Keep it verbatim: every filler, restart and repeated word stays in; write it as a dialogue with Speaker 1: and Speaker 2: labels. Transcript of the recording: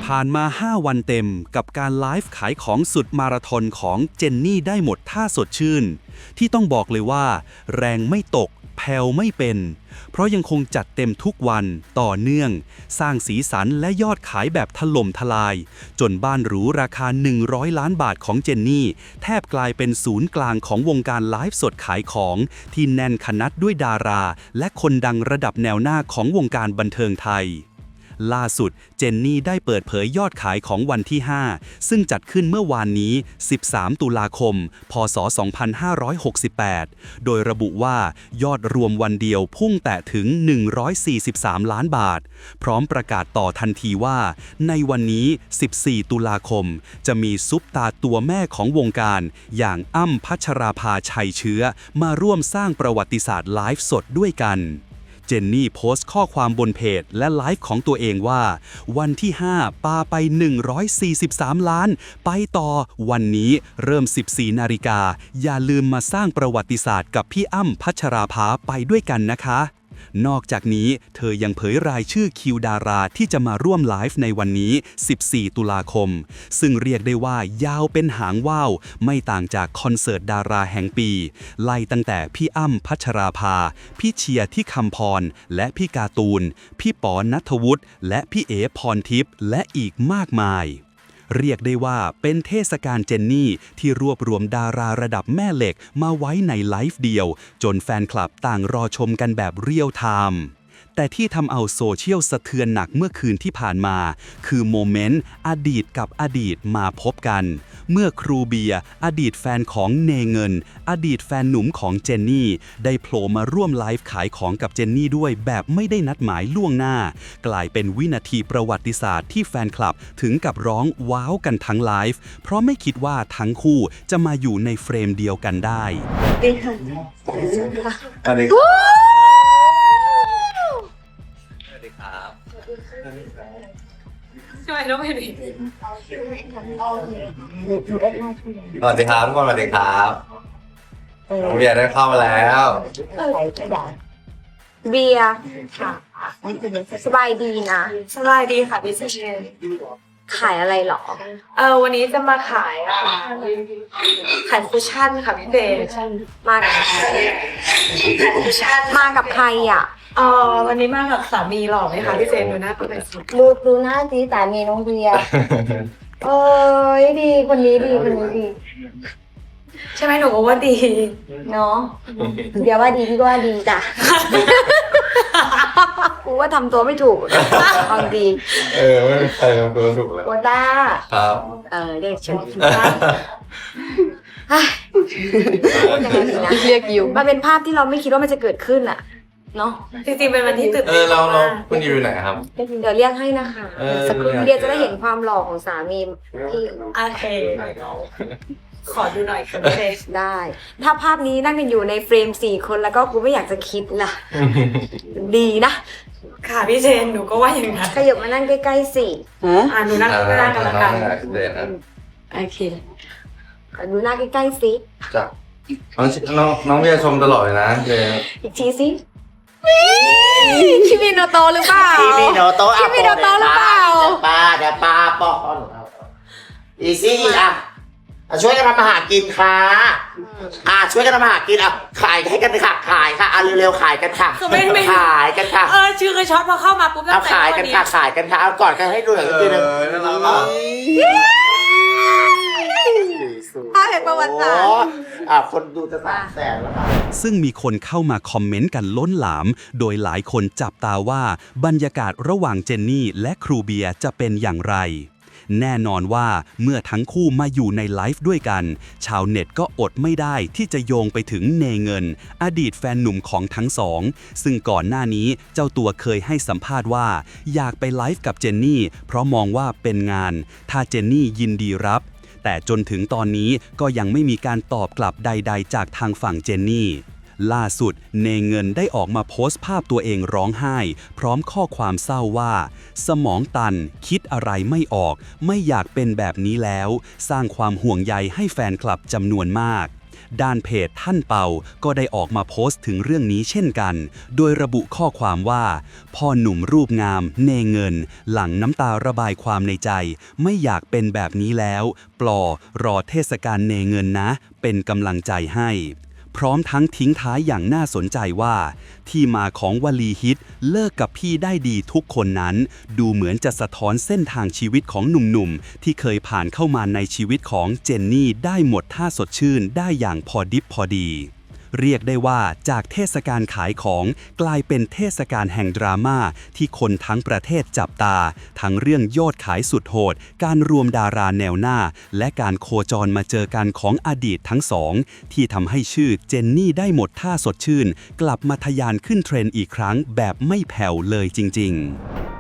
Speaker 1: ผ่านมา ห้า วันเต็มกับการไลฟ์ขายของสุดมาราธอนของเจนนี่ได้หมดท่าสดชื่น ที่ต้องบอกเลยว่า แรงไม่ตกแผ่วไม่เป็น เพราะยังคงจัดเต็มทุกวันต่อเนื่อง สร้างสีสันและยอดขายแบบถล่มทลาย จนบ้านหรูราคา หนึ่งร้อย ล้านบาทของเจนนี่แทบกลายเป็นศูนย์กลางของวงการไลฟ์สดขายของที่แน่นขนัดด้วยดารา และคนดังระดับแนวหน้าของวงการบันเทิงไทย ล่าสุดเจนนี่ได้เปิดเผยยอดขายของวันที่ ห้า ซึ่งจัดขึ้นเมื่อวานนี้ สิบสาม ตุลาคม พ.ศ. สองพันห้าร้อยหกสิบแปด โดยระบุว่ายอดรวมวันเดียวพุ่งแตะถึง หนึ่งร้อยสี่สิบสาม ล้านบาท พร้อมประกาศต่อทันทีว่าในวันนี้ สิบสี่ ตุลาคม จะมีซุปตาตัวแม่ของวงการอย่างอ้ำพัชราภาชัยเชื้อมาร่วมสร้างประวัติศาสตร์ไลฟ์สดด้วยกันเจนนี่โพสต์ข้อความบนเพจและไลฟ์ของตัวเองว่าวันที่ ห้า ปาไป หนึ่งร้อยสี่สิบสาม ล้านไปต่อวันนี้เริ่ม สิบสี่ นาฬิกาอย่าลืมมาสร้างประวัติศาสตร์กับพี่อ้ำพัชราภาไปด้วยกันนะคะนอกจากนี้เธอยังเผยรายชื่อคิวดาราที่จะมาร่วมไลฟ์ในวันนี้ สิบสี่ ตุลาคมซึ่งเรียกได้ว่ายาวเป็นหางว่าวไม่ต่างจากคอนเสิร์ตดาราแห่งปีไล่ตั้งแต่พี่อ้ำพัชราภาพี่เชียร์ที่คำพรและพี่การ์ตูนพี่ป๋อณัฐวุฒิและพี่เอ๋พรทิพย์และอีกมากมายเรียกได้ว่าเป็นเทศกาลเจนนี่ที่รวบรวมดาราระดับแม่เหล็กมาไว้ในไลฟ์เดียวจนแฟนคลับต่างรอชมกันแบบเรียลไทม์แต่ที่ทำเอาโซเชียลสะเทือนหนักเมื่อคืนที่ผ่านมาคือโมเมนต์อดีตกับอดีตมาพบกันเมื่อครูเบียร์อดีตแฟนของเนเงินอดีตแฟนหนุ่มของเจนนี่ได้โผล่มาร่วมไลฟ์ขายของกับเจนนี่ด้วยแบบไม่ได้นัดหมายล่วงหน้ากลายเป็นวินาทีประวัติศาสตร์ที่แฟนคลับถึงกับร้องว้าวกันทั้งไลฟ์เพราะไม่คิดว่าทั้งคู่จะมาอยู่ในเฟรมเดียวกันได้
Speaker 2: ดีค่ะ
Speaker 3: สวัสดีครับสวัสดีครับ
Speaker 2: ทำไมต้องเป็นอย่างนี้
Speaker 3: สวัสดีครับทุกคนสวัสดีครับผมเบียร์ได้เข้ามาแล้ว
Speaker 4: เบียร์ค่ะสบายดีนะ
Speaker 2: สบายดีค่ะพี่เชน
Speaker 4: ขายอะไรหรอ
Speaker 2: เออวันนี้จะมาขายอ่ะขายคุชชั่นค่ะพี่เบย์
Speaker 4: มากับใคร
Speaker 2: ขายคุชชั่น
Speaker 4: มากับใครอ่ะ
Speaker 2: เออวันนี้มากับสามีหล่อไหมคะพี่เจนดูหน้าเป็นไงสิ
Speaker 4: ดูดูหน้าสีสามีน้องเบียร์เอ้ยดีคนนี้ดีคนนี้ดี
Speaker 2: ใช่ไหมหนูก็ว่าดี
Speaker 4: เนาะเบียร์ว่าดีพี่ก็ว่าดีจ้ะกูว่าทำตัวไม่ถูกบางดี
Speaker 3: เออไม่มีใครทำตัวถูกเลย
Speaker 4: โคต้า
Speaker 3: ครับ
Speaker 4: เออเรียกฉันโคต้าพูดยังไงดีนะเรียกอยู่มันเป็นภาพที่เราไม่คิดว่ามันจะเกิดขึ้นอ่ะเนาะ
Speaker 2: จริงๆเป็นวันที่ตื่น
Speaker 3: เอ
Speaker 2: เต้
Speaker 3: อนเราเรา
Speaker 2: มาก
Speaker 3: คุณอยู่ไหนครับ
Speaker 4: เดี๋ยวเรียกให้นะคะ
Speaker 3: เออ
Speaker 4: สักครู่เดียวจะได้เห็นความหล่อของสามีที่
Speaker 2: โอเคขอดูหน่อยค่ะพี่เจน
Speaker 4: ได้ ถ้าภาพนี้นั่งกันอยู่ในเฟรมสี่คนแล้วก็กูไม่อยากจะคิดล่ะ ดีนะ
Speaker 2: ค่ะพี่เจนหนูก็ว่าอย่างนั้น
Speaker 4: ขยับมานั่งใกล้ๆสิ
Speaker 2: อ่าหนูนั่งข้างหน้ากันละกัน
Speaker 3: เด่นนะ
Speaker 2: โอเค
Speaker 4: ขอดูหน้าใกล้ๆสิ
Speaker 3: จ้ะน้องน้องน้องเบียร์ชมตลอดเลยนะเจน
Speaker 4: อีกทีสิคิมิโนโตะหรือเปล่า
Speaker 5: คิมิโนโตะ
Speaker 4: คิมิโนโตะหรือเปล่า
Speaker 5: ปลาเดี๋ยวปลาปอนอีซี่อ่ะอ่ะช่วยกันทำอาหารกินค่ะอ่ะช่วยกันทำอาหารกินอ่ะขายให้กันค่ะขายค่ะอ่ะเร็วๆขายกันค่ะ
Speaker 2: คือไม่ไม่
Speaker 5: ขายกันค่ะ
Speaker 2: เออชื่อคือช็อตพอเข้ามาปุ๊บตั้
Speaker 5: เอา
Speaker 2: งแต่
Speaker 5: ขายกันค่ะขายกันค่ะเอาก่อนกันให้ดูหน่อย
Speaker 3: เอ
Speaker 5: ทีนึง
Speaker 3: อน่ารักอ่ะ
Speaker 4: ภาพแห่งประวัติศาสตร์
Speaker 5: โอ้อ่ะคนดูจะสามแสนแล้วค่ะ
Speaker 1: ซึ่งมีคนเข้ามาคอมเมนต์กันล้นหลาม โดยหลายคนจับตาว่าบรรยากาศระหว่างเจนนี่และครูเบียร์จะเป็นอย่างไร แน่นอนว่าเมื่อทั้งคู่มาอยู่ในไลฟ์ด้วยกัน ชาวเน็ตก็อดไม่ได้ที่จะโยงไปถึงเนเงิน อดีตแฟนหนุ่มของทั้งสอง ซึ่งก่อนหน้านี้เจ้าตัวเคยให้สัมภาษณ์ว่า อยากไปไลฟ์กับเจนนี่เพราะมองว่าเป็นงาน ถ้าเจนนี่ยินดีรับ แต่จนถึงตอนนี้ก็ยังไม่มีการตอบกลับใดๆจากทางฝั่งเจนนี่ ล่าสุดเนเงินได้ออกมาโพสต์ภาพตัวเองร้องไห้ พร้อมข้อความเศร้าว่า สมองตันคิดอะไรไม่ออก ไม่อยากเป็นแบบนี้แล้ว สร้างความห่วงใยให้แฟนคลับจำนวนมากด้านเพจท่านเปาก็ได้ออกมาโพสต์ถึงเรื่องนี้เช่นกัน โดยระบุข้อความว่าพ่อหนุ่มรูปงามเนเงินหลั่งน้ำตาระบายความในใจไม่อยากเป็นแบบนี้แล้วปลอรอเทศกาลเนเงินนะเป็นกำลังใจให้พร้อมทั้งทิ้งท้ายอย่างน่าสนใจว่าที่มาของวลีฮิตเลิกกับพี่ได้ดีทุกคนนั้นดูเหมือนจะสะท้อนเส้นทางชีวิตของหนุ่มๆที่เคยผ่านเข้ามาในชีวิตของเจนนี่ได้หมดท่าสดชื่นได้อย่างพอดิบพอดีเรียกได้ว่าจากเทศกาลขายของกลายเป็นเทศกาลแห่งดราม่าที่คนทั้งประเทศจับตาทั้งเรื่องยอดขายสุดโหดการรวมดาราแนวหน้าและการโคจรมาเจอกันของอดีตทั้งสองที่ทำให้ชื่อเจนนี่ได้หมดท่าสดชื่นกลับมาทะยานขึ้นเทรนด์อีกครั้งแบบไม่แผ่วเลยจริงๆ